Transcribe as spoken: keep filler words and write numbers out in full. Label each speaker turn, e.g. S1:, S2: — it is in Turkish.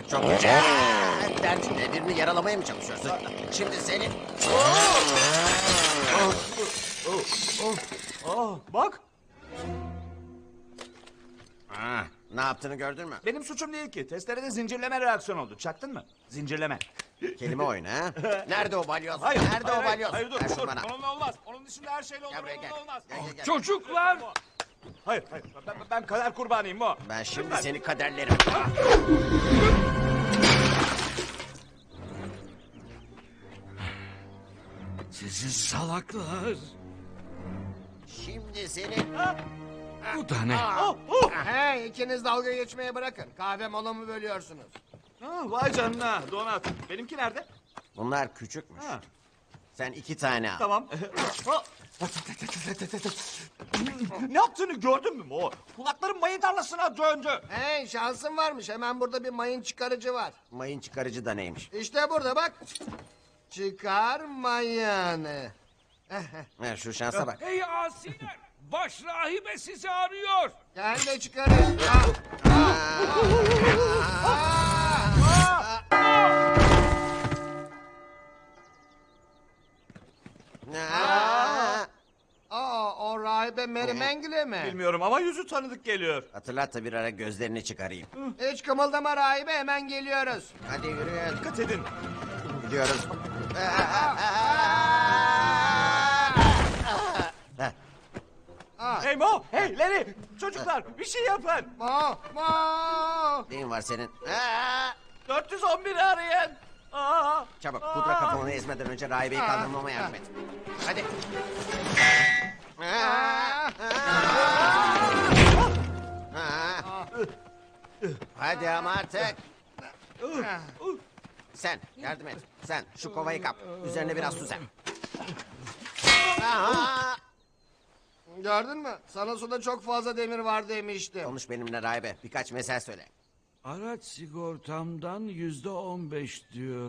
S1: Çok güzel. Derdin ne? Birini yaralamaya mı çalışıyorsun? Şimdi seni...
S2: Aa, bak,
S1: Ha, ne yaptığını gördün mü?
S2: benim suçum değil ki. Testerede zincirleme reaksiyon oldu. Çaktın mı? Zincirleme.
S1: Kelime oyunu ha? Nerede o balyoz?
S2: Hayır,
S1: Nerede
S2: hayır,
S1: o balyoz?
S2: Hayır, dur,
S1: Ver şunu
S2: dur.
S1: bana.
S2: Onunla olmaz. Onun dışında her şeyle olur,
S1: Gel buraya gel.
S2: onunla olmaz.
S1: Gel, gel, gel.
S3: Çocuklar!
S2: Hayır, hayır. Ben, ben kader kurbanıyım o.
S1: Ben şimdi seni kaderlerim.
S3: Sizi salaklar!
S1: Şimdi seni...
S3: Bu da ne?
S2: Oh, oh.
S4: Hey, ikiniz dalga geçmeye bırakın. Kahve molamı bölüyorsunuz.
S2: Ha, vay canına, donat. Benimki nerede?
S1: Bunlar küçükmüş.
S2: Ha,
S1: Sen iki tane al.
S2: tamam. Oh. Ne yaptığını gördün mü o? Kulaklarım mayın tarlasına döndü.
S4: Hey, şansın varmış. Hemen burada bir mayın çıkarıcı var.
S1: Mayın çıkarıcı da neymiş?
S4: İşte burada bak. Çıkar mayını.
S1: Ver şu şansa bak.
S3: Hey asiler! Baş rahibe sizi arıyor!
S4: Gel de çıkarın. Ah,
S1: Aa!
S4: Aa, o rahibe Mary Mengele mi?
S2: Bilmiyorum ama yüzü tanıdık geliyor.
S1: Hatırlat da bir ara gözlerini çıkarayım.
S4: Hiç kımıldama rahibe, hemen geliyoruz.
S1: Hadi yürüyün.
S2: Dikkat edin.
S1: Gidiyoruz.
S4: Ah,
S2: Hey Mo, hey Larry, çocuklar bir şey yapın.
S4: Mo, Mo.
S1: Neyin var senin? Aa!
S2: dört yüz on biri arayın. Aa,
S1: Çabuk pudra kafanı ezmeden önce rahibeyi kaldırmama yardım et. Hadi.
S4: Ah,
S1: Aa! Hadi ama artık.
S4: ah.
S1: Sen yardım et. Sen şu kovayı kap. Üzerine biraz su ser. Aha!
S4: Gördün mü? Sana suda çok fazla demir var demiştim.
S1: Konuş benimle rahibe. Birkaç mesel söyle.
S3: Araç sigortamdan yüzde on beş diyor.